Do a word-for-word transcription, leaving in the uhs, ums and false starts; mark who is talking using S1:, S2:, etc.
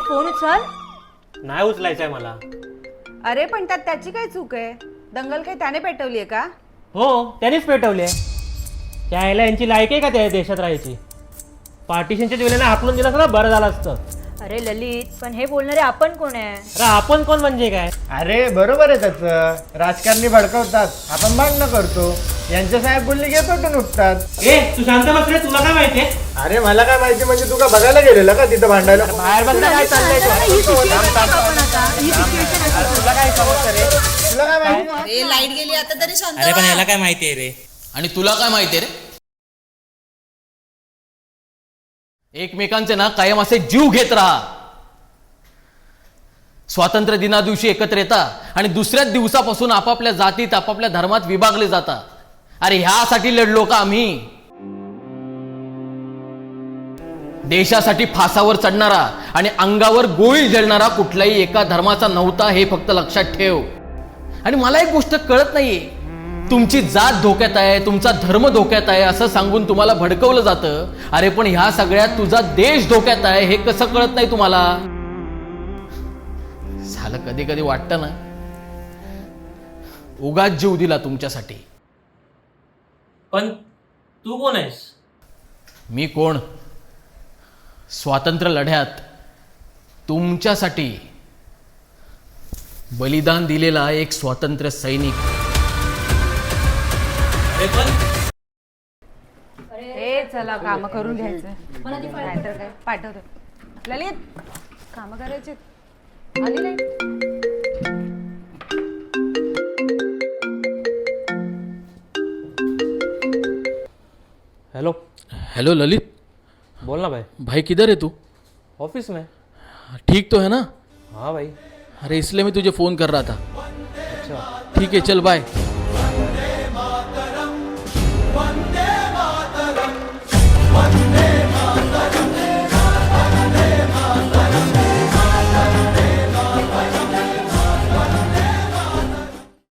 S1: Phone उचल.
S2: नाही उचलायचंय मला.
S1: अरे पण त्यात त्याची काय चूक आहे? दंगल काही त्याने पेटवली आहे का?
S2: हो त्यानेच पेटवले. त्याला यांची लायक आहे का त्या देशात राहायची? पार्टिशनच्या वेळेला हाकलून दिलं असतं ना बरं झालं असतं.
S3: अरे ललित, पण हे बोलणारे आपण कोण आहे?
S2: अरे आपण कोण म्हणजे काय?
S4: अरे बरोबर आहे त्याचं. राजकारणी भडकवतात, आपण भांडणं करतो. यांचे साहेब बोलले की पेटून उठतात.
S2: ए तू शांत बस रे, तुला काय माहितीये?
S4: अरे मला काय माहिती म्हणजे तू का बघायला गेलेला का तिथं भांडायला?
S2: बाहेर बघा काय चाललंय
S3: ही situation आपण आता, ही situation आहे.
S2: तुला काय समजतं रे?
S4: तुला काय माहिती?
S1: अरे लाईट गेली आता तरी शांत
S5: अरे पण याला काय माहितीये रे?
S6: आणि तुला काय माहितीये रे? एकमेकांचे ना कायम असे जीव घेत राहा. स्वातंत्र्य दिना दिवशी एकत्र येता आणि दुसऱ्याच दिवसापासून आपापल्या जातीत आपापल्या धर्मात विभागले जाता. अरे ह्यासाठी लढलो का आम्ही? देशासाठी फासावर चढणारा आणि अंगावर गोळी झेलणारा कुठल्याही एका धर्माचा नव्हता, हे फक्त लक्षात ठेव. आणि मला एक गोष्ट कळत नाहीये, तुमची जात धोक्यात आहे, तुमचा धर्म धोक्यात आहे असं सांगून तुम्हाला भडकवलं जातं. अरे पण ह्या सगळ्यात तुझा देश धोक्यात आहे हे कसं कळत नाही तुम्हाला? झालं कधी कधी वाटतं ना, उगाच जीव दिला तुमच्यासाठी.
S2: पण तू कोण आहेस?
S6: मी कोण? स्वातंत्र्य लढ्यात तुमच्यासाठी बलिदान दिलेला एक स्वातंत्र्य सैनिक.
S2: अरे पण
S1: ए चला काम करून घ्यायचं. नाहीतर काय पाठवतो. ललित काम करायचे. आली नाही.
S2: हेलो.
S6: हेलो ललित.
S2: बोल ना भाई.
S6: भाई किधर है तू?
S2: ऑफिस में.
S6: ठीक तो है ना?
S2: हाँ भाई.
S6: अरे इसलिए मैं तुझे फोन कर रहा था.
S2: अच्छा
S6: ठीक है चल बाय.